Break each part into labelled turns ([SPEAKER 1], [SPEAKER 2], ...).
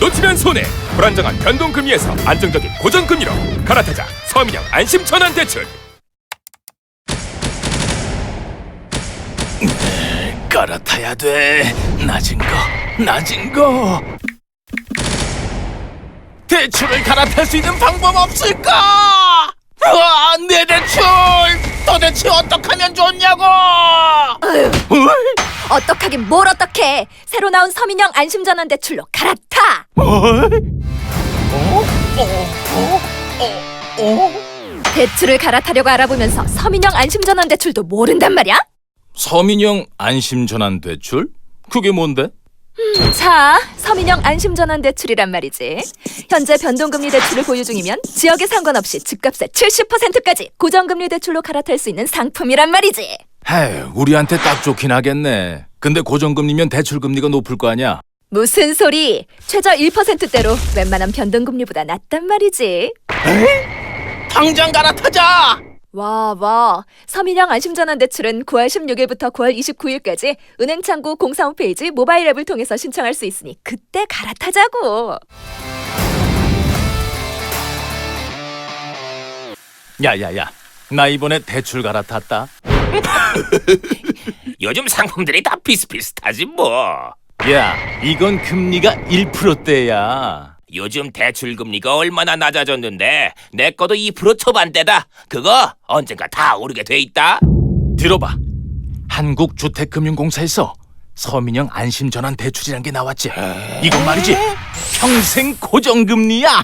[SPEAKER 1] 놓치면 손해. 불안정한 변동금리에서 안정적인 고정금리로 갈아타자. 서민형 안심 전환대출.
[SPEAKER 2] 갈아타야 돼. 낮은 거. 대출을 갈아탈 수 있는 방법 없을까? 내 대출 도대체 어떻게 하면 좋냐고?
[SPEAKER 3] 어떡하긴 뭘 어떡해. 새로 나온 서민형 안심전환 대출로 갈아타. 대출을 갈아타려고 알아보면서 서민형 안심전환 대출도 모른단 말이야?
[SPEAKER 2] 서민형 안심전환 대출? 그게 뭔데?
[SPEAKER 3] 자, 서민형 안심전환 대출이란 말이지. 현재 변동금리 대출을 보유 중이면 지역에 상관없이 집값의 70%까지 고정금리 대출로 갈아탈 수 있는 상품이란 말이지.
[SPEAKER 2] 에휴, 우리한테 딱 좋긴 하겠네. 근데 고정금리면 대출금리가 높을 거 아니야?
[SPEAKER 3] 무슨 소리? 최저 1%대로 웬만한 변동금리보다 낫단 말이지.
[SPEAKER 2] 당장 갈아타자!
[SPEAKER 3] 와. 서민형 안심전환 대출은 9월 16일부터 9월 29일까지 은행창구 공사 홈페이지 모바일 앱을 통해서 신청할 수 있으니 그때 갈아타자고.
[SPEAKER 2] 야야야, 나 이번에 대출 갈아탔다.
[SPEAKER 4] 요즘 상품들이 다 비슷비슷하지 뭐.
[SPEAKER 2] 야, 이건 금리가 1%대야.
[SPEAKER 4] 요즘 대출 금리가 얼마나 낮아졌는데 내 거도 2% 초반대다. 그거 언젠가 다 오르게 돼 있다.
[SPEAKER 2] 들어봐. 한국주택금융공사에서 서민형 안심전환 대출이란 게 나왔지. 이건 말이지 평생 고정금리야.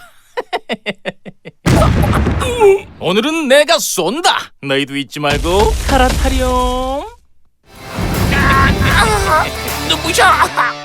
[SPEAKER 2] 오늘은 내가 쏜다. 너희도 잊지 말고 갈아타렴.
[SPEAKER 4] 눈부셔.